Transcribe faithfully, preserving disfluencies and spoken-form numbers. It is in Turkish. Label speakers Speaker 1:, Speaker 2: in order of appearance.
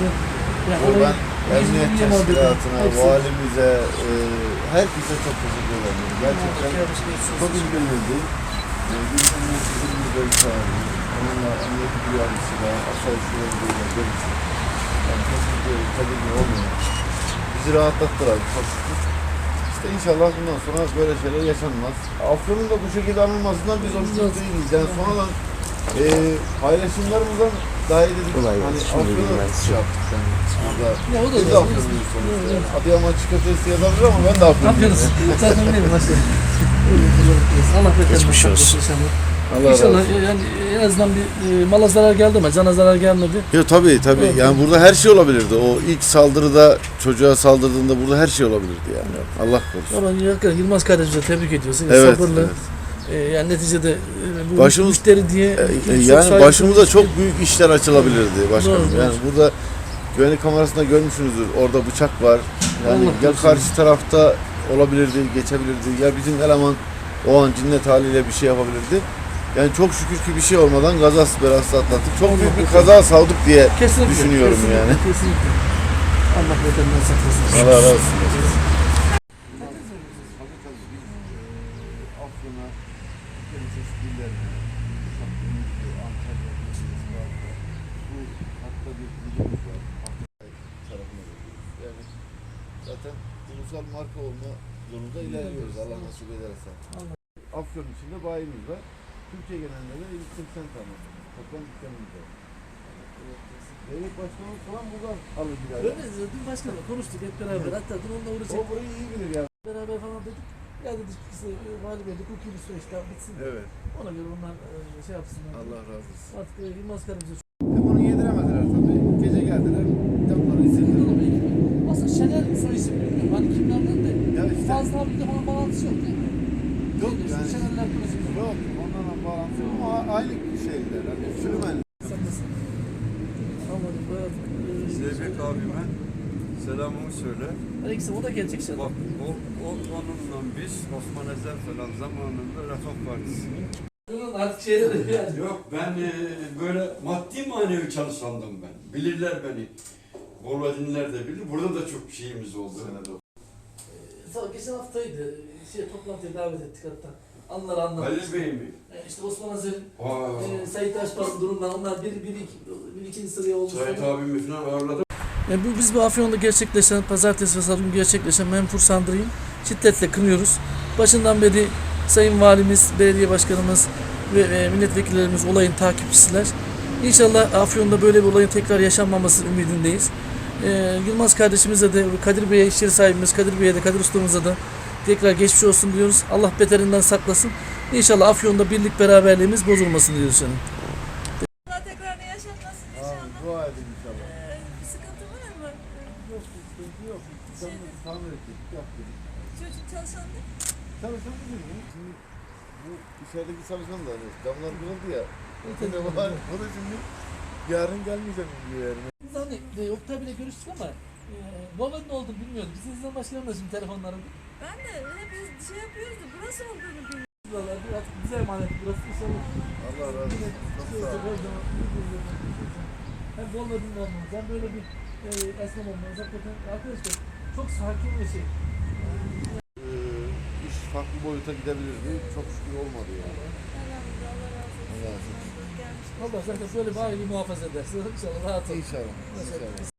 Speaker 1: yaptı. Yani
Speaker 2: Yo, ben
Speaker 1: orayı
Speaker 2: emniyet
Speaker 1: yüz milyon
Speaker 2: teşkilatına,
Speaker 1: hepsi.
Speaker 2: valimize, e, herkese çok teşekkür ederim. Gerçekten çok ilgilenildi. E, Biz emniyetimizin bir bölüm sahibi, onunla emniyet duyarlısıyla, asayiş yoluyla görüştük. Yani kesinlikle tabii olmuyor. Bizi rahatlattılar çok şükür. İşte inşallah bundan sonra böyle şeyler yaşanmaz. Afyon'un da bu şekilde anılmasından biz hoşnut değiliz. Yani sonradan e, paylaşımlarımızdan daha iyi dedik.
Speaker 3: Kolay
Speaker 2: Hani
Speaker 3: gelsin. Şimdi
Speaker 2: Afyon'u
Speaker 3: bileyim ben
Speaker 2: şey yaptık. Yani. Burada
Speaker 1: Ya o da
Speaker 2: biz de
Speaker 1: doğru.
Speaker 2: Afyon'luyuz sonuçta.
Speaker 1: Evet, evet.
Speaker 2: Adıyaman çikolatası yazabilir ama ben de
Speaker 1: Ne yapıyoruz?
Speaker 2: Afyon'luyum.
Speaker 1: Zaten benim başta. Allah beter
Speaker 3: Geçmiş
Speaker 1: saklasın
Speaker 3: olsun.
Speaker 1: inşallah.
Speaker 2: Allah razı
Speaker 1: İnşallah
Speaker 2: olsun.
Speaker 1: yani en azından bir e, mala zarar geldi ama cana zarar gelmedi.
Speaker 2: Yo, tabii tabii.
Speaker 1: Evet.
Speaker 2: Yani burada her şey olabilirdi. O ilk saldırıda çocuğa saldırdığında burada her şey olabilirdi yani. Allah korusun.
Speaker 1: Ama hakikaten Yılmaz kardeşimize tebrik ediyoruz. Yine
Speaker 2: Evet.
Speaker 1: sabırlı.
Speaker 2: evet.
Speaker 1: E, yani neticede e, bu
Speaker 2: Başımız-
Speaker 1: müşteri diye
Speaker 2: E,
Speaker 1: çok
Speaker 2: Yani
Speaker 1: saygısız-
Speaker 2: başımıza çok büyük işler açılabilirdi başkanım.
Speaker 1: Doğru,
Speaker 2: Yani burada güvenlik kamerasında görmüşsünüzdür. Orada bıçak var. Yani
Speaker 1: Allah
Speaker 2: ya
Speaker 1: korusun.
Speaker 2: karşı tarafta olabilirdi, geçebilirdi. Ya bizim eleman o an cinnet haliyle bir şey yapabilirdi. Yani çok şükür ki bir şey olmadan kazası belası atlattık. Çok büyük bir kaza savduk diye
Speaker 1: Kesinlikle,
Speaker 2: düşünüyorum
Speaker 1: kesinlikle,
Speaker 2: yani.
Speaker 1: Kesinlikle. Allah beterinden saklasın.
Speaker 2: Allah razı olsun. Afyon'a, çeşitli illerine, Uşak, Denizli, Antalya, Denizli, Varda, bu hatta bir videomuz var. Afyon tarafına bakıyoruz. Yani zaten ulusal marka olma yolunda ilerliyoruz Allah nasip ederse.
Speaker 1: Allah.
Speaker 2: Afyon içinde bayimiz var. Türkiye genelinde de ilk seksen tane toplam dükkanımız var. Devlet başkanımız falan buradan alır gider.
Speaker 1: Öyle dün başkanla konuştuk hep beraber. Hatta dün onunla
Speaker 2: O
Speaker 1: uğraşacak.
Speaker 2: burayı iyi bilir yani.
Speaker 1: Beraber falan dedik. Ya dedik işte vali bey dedik hukuki bir süreç daha bitsin.
Speaker 2: Evet.
Speaker 1: Ona göre onlar e, şey yapsınlar.
Speaker 2: Allah razı olsun.
Speaker 1: Artık e, Yılmaz kardeşimize
Speaker 2: E bunu yediremediler tabii. Gece geldiler. Camları istediler.
Speaker 1: aslında Şener soy isim bilmiyorum. Hani kimlerden de
Speaker 2: Ya işte.
Speaker 1: fazla bir de falan bağlantısı yok değil mi?
Speaker 2: Yok
Speaker 1: Şeyde,
Speaker 2: yani.
Speaker 1: Şenerler projesi.
Speaker 2: Yok. Onlarla bağlantısı yok ama aynı şeyler. Hani sürmen.
Speaker 1: Saklasın. Anladım. Evet.
Speaker 4: Zeybek abime selamımı söyle.
Speaker 1: Aleyküm o da gelecek şimdi.
Speaker 4: Bak o, o onunla biz Osman Ezer falan zamanında Refah Partisi'nin.
Speaker 1: Artık şeyleri yani.
Speaker 4: Yok ben e, böyle maddi manevi çalışandım ben. Bilirler beni. Bolvadinler de bilir. Burada da çok şeyimiz oldu.
Speaker 1: Sağ geçen haftaydı. Şey toplantıya davet ettik hatta. Anıları anlattık.
Speaker 4: Halil Bey mi?
Speaker 1: E, İşte Osman Azer'in,
Speaker 4: Aa,
Speaker 1: e, Sait Aşpar'ın durumları onlar bir, bir, iki, bir ikinci sıraya oldu.
Speaker 4: Sait abimi falan ağırladım.
Speaker 1: E, bu, biz bu Afyon'da gerçekleşen, pazartesi ve salı günü gerçekleşen menfur saldırıyı şiddetle kınıyoruz. Başından beri Sayın Valimiz, Belediye Başkanımız ve e, milletvekillerimiz olayın takipçisiler. İnşallah Afyon'da böyle bir olayın tekrar yaşanmaması ümidindeyiz. E, Yılmaz kardeşimize de, Kadir Bey'e, iş yeri sahibimiz Kadir Bey'e de, Kadir Ustamıza da tekrar geçmiş olsun diyoruz. Allah beterinden saklasın. İnşallah Afyon'da birlik beraberliğimiz bozulmasın diyoruz canım.
Speaker 5: Allah tekrarını yaşatmasın
Speaker 2: Abi
Speaker 5: inşallah.
Speaker 2: dua edin inşallah.
Speaker 5: Ee, bir sıkıntı var mı?
Speaker 2: Yok sıkıntı yok. Camları tamir ettik. Yaptık.
Speaker 5: Çocuk çalışan da
Speaker 2: Çalışan bizim ya. Şimdi bu içerideki çalışan da hani camlar kırıldı ya. Ne var? O da şimdi yarın gelmeyecek mi yani?
Speaker 1: Biz hani e, Oktay bile görüştük ama e, Volvo'nun ne olduğunu bilmiyorduk. Biz izlen başlayalım da şimdi telefonları.
Speaker 5: ben de hep şey yapıyoruz da burası olduğunu bilmiyorum.
Speaker 1: Buralar bir artık bize emanet burası inşallah.
Speaker 2: Allah razı olsun. Çok
Speaker 1: Şey
Speaker 2: sağ
Speaker 1: olacak,
Speaker 2: olun.
Speaker 1: her zaman birbirimize hem Volvo'nun olmamız hem böyle bir e, esnaf olmamız hakikaten arkadaşlar çok sakin ve şey.
Speaker 2: Ee, iş farklı boyuta gidebilirdi. Çok şükür olmadı yani.
Speaker 5: Elhamdülillah Allah razı olsun.
Speaker 2: Allah razı olsun.
Speaker 5: Gelmiş.
Speaker 1: Allah zaten böyle bir aileyi muhafaza edersin. İnşallah rahat ol.
Speaker 2: İnşallah. İnşallah.